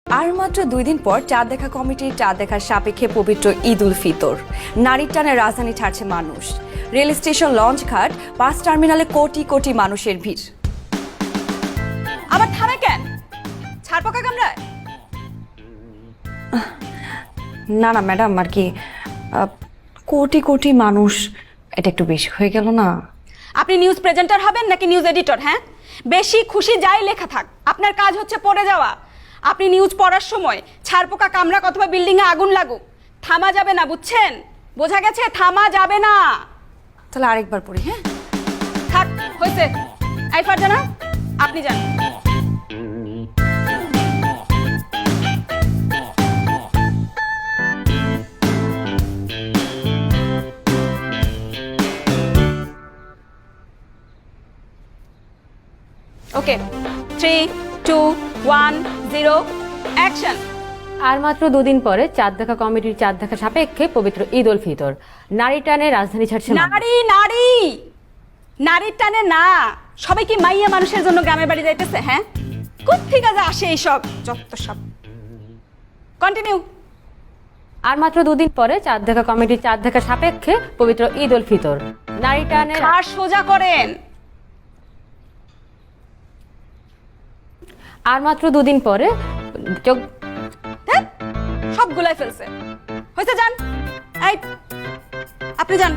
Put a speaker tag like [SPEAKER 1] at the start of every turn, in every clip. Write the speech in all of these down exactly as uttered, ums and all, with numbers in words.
[SPEAKER 1] আর মাত্র দুই দিন পর চাঁদ দেখা কমিটির চাঁদ দেখার সাপেক্ষে পবিত্র ঈদ উল ফিতর। নারীর টানে রাজধানী ছাড়ছে মানুষ। রেল স্টেশন, লঞ্চ ঘাট, বাস টার্মিনালে কোটি কোটি মানুষের ভিড়।
[SPEAKER 2] আবার থামে কেন? ছাড় পোকা কামড়ায়?
[SPEAKER 1] না না ম্যাডাম, আর কি কোটি কোটি মানুষ, এটা একটু বেশি হয়ে গেল না?
[SPEAKER 2] আপনি নিউজ প্রেজেন্টার হবেন নাকি নিউজ এডিটর? হ্যাঁ, বেশি খুশি যাই লেখা থাক, আপনার কাজ হচ্ছে পড়ে যাওয়া। আপনি নিউজ পড়ার সময় ছাড় পোকা কামড়াক অথবা বিল্ডিং এ আগুন লাগুক, থামা যাবে না, বুঝছেন? বোঝা গেছে? থামা যাবে না।
[SPEAKER 1] তাহলে আরেকবার পড়ি। হ্যাঁ
[SPEAKER 2] থাক, হয়েছে। এই ফারজানা, আপনি যান। Okay, three two one zero action.
[SPEAKER 3] আর মাত্র দুদিন পরে চাঁদ দেখা কমিটির চাঁদ দেখা সাপেক্ষে পবিত্র ঈদ উল ফিতর। নারী টানে রাজধানী ছাড়ছে মানুষ।
[SPEAKER 2] নারী নারী নারীর টানে না, সবাই কি মাইয়া মানুষের জন্য গ্রামের বাড়ি যাইতেছে? হ্যাঁ, কোত্থেকে যে আসে এইসব যত সব। কন্টিনিউ।
[SPEAKER 3] আর মাত্র দুদিন পরে চাঁদ দেখা কমিটির চাঁদ দেখা সাপেক্ষে পবিত্র ঈদ উল ফিতর। নারী টানে
[SPEAKER 2] আর সোজা করেন।
[SPEAKER 3] আর মাত্র দুদিন পরে যোগ
[SPEAKER 2] ধ্যাৎ, সবগুলাই ফেলছে। হয়েছে, যান। এই আপনি যান।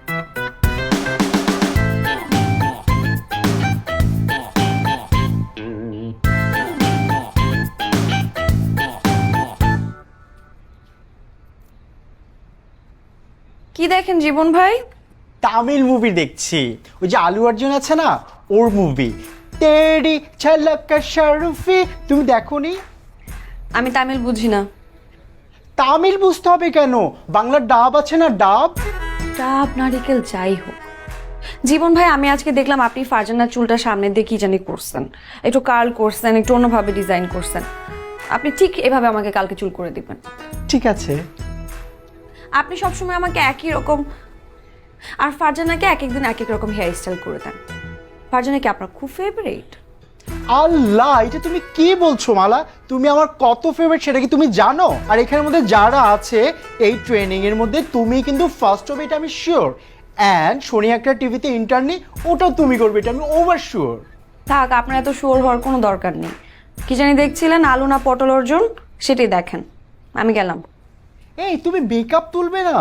[SPEAKER 1] কি দেখেন জীবন ভাই?
[SPEAKER 4] তামিল মুভি দেখছি, ওই যে আলু অর্জুন আছে না, ওর মুভি তেরি ঝলক শরফি। তুমি দেখোনি?
[SPEAKER 1] আমি তামিল বুঝি না।
[SPEAKER 4] তামিল বুঝতে হবে কেন? বাংলার ডাব আছে না, ডাব।
[SPEAKER 1] ডাব, নারিকেল, যাই হোক। জীবন ভাই, আমি আজকে দেখলাম আপনি ফারজানার চুলটা সামনে দিয়ে কি জানি করছেন, একটু কার্ল করছেন, একটু অন্যভাবে ডিজাইন করছেন। আপনি ঠিক এভাবে আমাকে কালকে চুল করে দিবেন।
[SPEAKER 4] ঠিক আছে।
[SPEAKER 1] আপনি সবসময় আমাকে একই রকম, আর ফারজানাকে এক একদিন এক এক রকম হেয়ার স্টাইল করে দেন। ফারজানা কি আপনার খুব ফেভারিট?
[SPEAKER 4] আল্লাহ, এটা তুমি কি বলছো মালা? তুমি আমার কত ফেভারিট সেটা কি তুমি জানো? আর এখানের মধ্যে যারা আছে এই ট্রেনিং এর মধ্যে তুমি কিন্তু ফার্স্ট হবে, এটা আমি শিওর। অ্যান্ড শনি একটা টিভিতে ইন্টারনি, ওটাও তুমি করবে, এটা আমি ওভার শিওর।
[SPEAKER 1] থাক, আপনার এত শিওর হওয়ার কোনো দরকার নেই। কি জানি দেখছিলেন, আলু না পটল অর্জুন, সেটাই দেখেন। আমি গেলাম।
[SPEAKER 4] এই তুমি মেকআপ তুলবে না?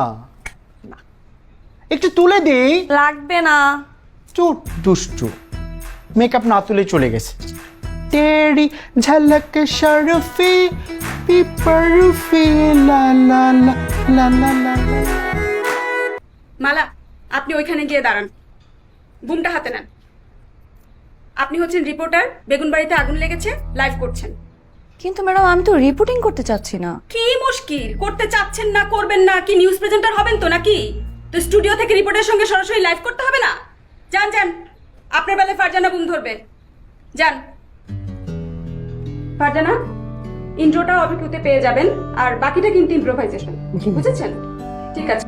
[SPEAKER 4] একটু তুলে দেই।
[SPEAKER 1] লাগবে না।
[SPEAKER 4] চুপ দুষ্টু, মেকআপ না তুলে চলে গেছে। তেরি ঝলক শরফি পিপরফি লা লা লা লা লা লা।
[SPEAKER 2] মালা, আপনি ওইখানে গিয়ে দাঁড়ান, বুমটা হাতে নেন। আপনি হচ্ছেন রিপোর্টার, বেগুনবাড়িতে আগুন লেগেছে, লাইভ করছেন।
[SPEAKER 1] কিন্তু ম্যাডাম, আমি তো রিপোর্টিং করতে চাচ্ছি না।
[SPEAKER 2] কি মুশকিল, করতে চাচ্ছেন না, করবেন না, কি নিউজ প্রেজেন্টার হবেন তো নাকি? তো স্টুডিও থেকে রিপোর্টারের সঙ্গে সরাসরি লাইভ করতে হবে না? যান যান, আপনার বেলায় ফারজানা বুম ধরবে। যান ফারজানা, ইন্ট্রোটা অবিকুতে পেয়ে যাবেন, আর বাকিটা কিন্তু ইম্প্রোভাইজেশন, বুঝেছেন? ঠিক আছে।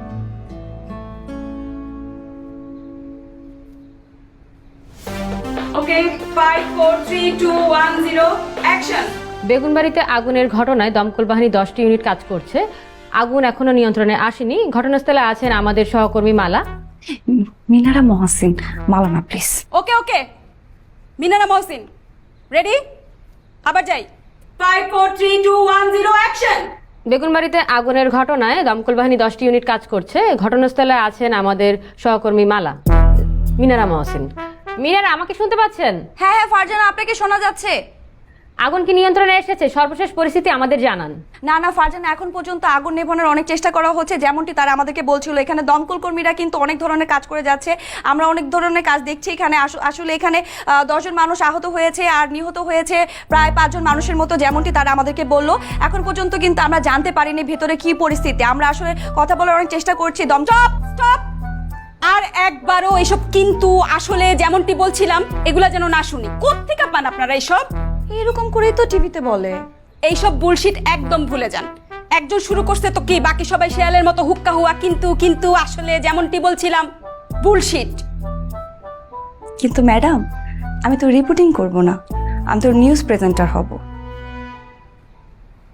[SPEAKER 2] Okay, five four three two one zero action.
[SPEAKER 3] বেগুনবাড়িতে আগুনের ঘটনায় দমকল বাহিনী দশটি ইউনিট কাজ করছে। আগুন এখনো নিয়ন্ত্রণে আসেনি। ঘটনাস্থলে আছেন আমাদের সহকর্মী মালা।
[SPEAKER 1] মিনারা মহসিন, মালানা please.
[SPEAKER 2] Okay okay, Minara Mohsin ready? আবার যাই। Five four three two one zero action.
[SPEAKER 3] বেগুনবাড়িতে আগুনের ঘটনায় দমকল বাহিনী দশটি ইউনিট কাজ করছে। ঘটনাস্থলে আছেন আমাদের সহকর্মী মালা। মিনারা মহসিন। মিনারা, আমাকে শুনতে পাচ্ছেন?
[SPEAKER 1] হ্যাঁ হ্যাঁ ফারজানা, আপনাকে শোনা যাচ্ছে।
[SPEAKER 3] আগুন কি নিয়ন্ত্রণে এসেছে? সর্বশেষ পরিস্থিতি আমাদের জানান।
[SPEAKER 1] না না ফারজানা, এখন পর্যন্ত আগুন নেভানোর অনেক চেষ্টা করা হচ্ছে, যেমনটি তারা আমাদেরকে বলছিল। এখানে দমকল কর্মীরা কিন্তু অনেক ধরনের কাজ করে যাচ্ছে, আমরা অনেক ধরনের কাজ দেখছি এখানে। আসলে এখানে দশজন মানুষ আহত হয়েছে আর নিহত হয়েছে প্রায় পাঁচজন মানুষের মতো, যেমনটি তারা আমাদেরকে বললো। এখন পর্যন্ত কিন্তু আমরা জানতে পারিনি ভেতরে কি পরিস্থিতি। আমরা আসলে কথা বলার অনেক চেষ্টা করছি। দম স্টপ স্টপ,
[SPEAKER 2] আর একবারও এসব কিন্তু আসলে যেমনটি বলছিলাম এগুলা যেন না শুনি। কোত্থেকে পান আপনারা এইসব?
[SPEAKER 1] এরকম করেই তো টিভিতে বলে।
[SPEAKER 2] এইসব বুলশিট একদম ভুলে যান। একজন শুরু করছে তো কি, বাকি সবাই শেয়ালের মতো হুক্কা হুয়া কিন্তু কিন্তু আসলে যেমনটি বলছিলাম বুলশিট।
[SPEAKER 1] কিন্তু ম্যাডাম, আমি তো রিপোর্টিং করব না, আমি তো নিউজ প্রেজেন্টার হব।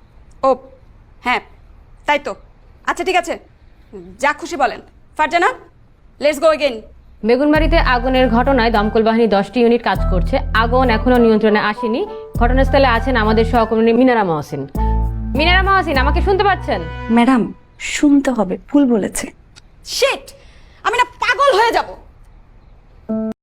[SPEAKER 2] ও হ্যাঁ তাই তো, আচ্ছা ঠিক আছে, যা খুশি বলেন। Farzana, let's go again.
[SPEAKER 3] বেগুনবাড়িতে আগুনের ঘটনায় দমকল বাহিনী দশটি ইউনিট কাজ করছে। আগুন এখনো নিয়ন্ত্রণে আসেনি। ঘটনাস্থলে আছেন আমাদের সহকর্মী মিনারা মহসিন। মিনারা মহসিন, আমাকে শুনতে পাচ্ছেন?
[SPEAKER 1] ম্যাডাম শুনতে হবে, ভুল বলেছে।
[SPEAKER 2] শিট, আমি না পাগল হয়ে যাব।